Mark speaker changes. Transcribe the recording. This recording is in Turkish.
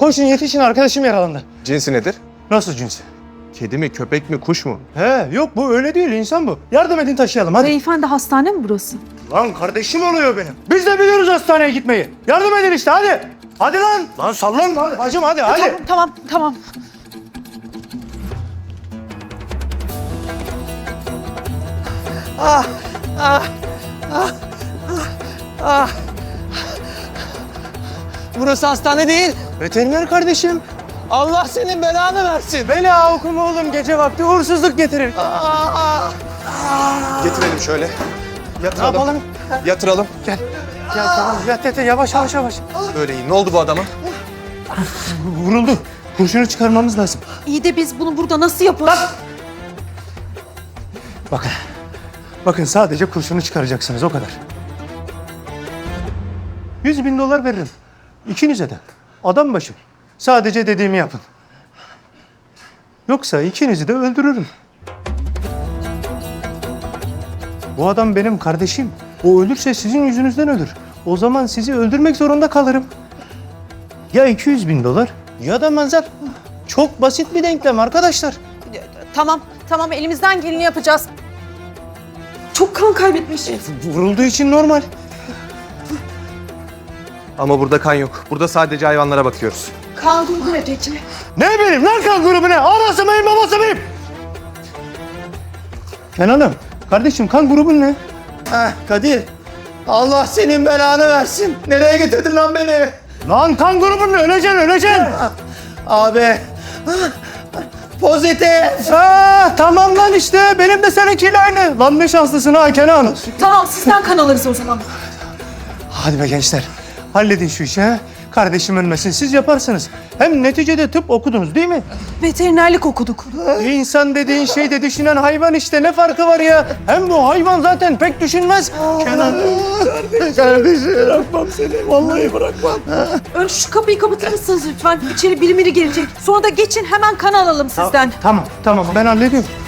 Speaker 1: Koşun yetişin, arkadaşım yaralandı.
Speaker 2: Cinsi nedir?
Speaker 1: Nasıl cinsi?
Speaker 2: Kedi mi, köpek mi, kuş mu?
Speaker 1: He yok bu öyle değil, insan bu. Yardım edin taşıyalım hadi.
Speaker 3: Beyefendi hastane mi burası?
Speaker 1: Lan kardeşim oluyor benim. Biz de biliyoruz hastaneye gitmeyi. Yardım edin işte hadi. Hadi lan. Lan sallan lan bacım hadi hadi.
Speaker 3: Tamam.
Speaker 4: Burası hastane değil.
Speaker 1: Veteriner kardeşim.
Speaker 4: Allah senin belanı versin.
Speaker 1: Bela okuma oğlum, gece vakti uğursuzluk getirir.
Speaker 2: Getirelim şöyle.
Speaker 1: Ne
Speaker 2: Yatıralım.
Speaker 1: yapalım?
Speaker 2: Yatıralım.
Speaker 1: Gel tamam yat yavaş.
Speaker 2: Böyle iyi. Ne oldu bu adama?
Speaker 1: Vuruldu. Kurşunu çıkarmamız lazım.
Speaker 3: İyi de biz bunu burada nasıl yaparız?
Speaker 1: Bakın sadece kurşunu çıkaracaksınız o kadar. 100.000 dolar veririm. İkinize de. Adam başı. Sadece dediğimi yapın. Yoksa ikinizi de öldürürüm. Bu adam benim kardeşim. O ölürse sizin yüzünüzden ölür. O zaman sizi öldürmek zorunda kalırım. Ya 200.000 dolar ya da manzar. Çok basit bir denklem arkadaşlar.
Speaker 3: Tamam elimizden geleni yapacağız. Çok kan kaybetmiş.
Speaker 1: Vurulduğu için normal.
Speaker 2: Ama burada kan yok. Burada sadece hayvanlara bakıyoruz.
Speaker 3: Kan grubu ne peki?
Speaker 1: Ne bileyim lan kan grubu ne? Anası mıyım babası mıyım? Kenan'ım, kardeşim kan grubun ne?
Speaker 4: Kadir. Allah senin belanı versin. Nereye getirdin lan beni?
Speaker 1: Lan kan grubun ne? Öleceksin.
Speaker 4: Abi. Pozitif.
Speaker 1: Tamam lan işte. Benim de seninkiyle aynı. Lan ne şanslısın ha Kenan.
Speaker 3: Tamam sizden kan alırız o zaman.
Speaker 1: Hadi be gençler. Halledin şu işi ha. Kardeşim ölmesin. Siz yaparsınız. Hem neticede tıp okudunuz değil mi?
Speaker 3: Veterinerlik okuduk.
Speaker 1: İnsan dediğin şey de düşünen hayvan işte. Ne farkı var ya? Hem bu hayvan zaten pek düşünmez. Kenan.
Speaker 4: Kardeşim bırakmam seni. Vallahi bırakmam.
Speaker 3: Önce şu kapıyı kapatır mısınız lütfen? İçeri biri gelecek. Sonra da geçin hemen kan alalım sizden.
Speaker 1: Tamam. Ben hallediyorum.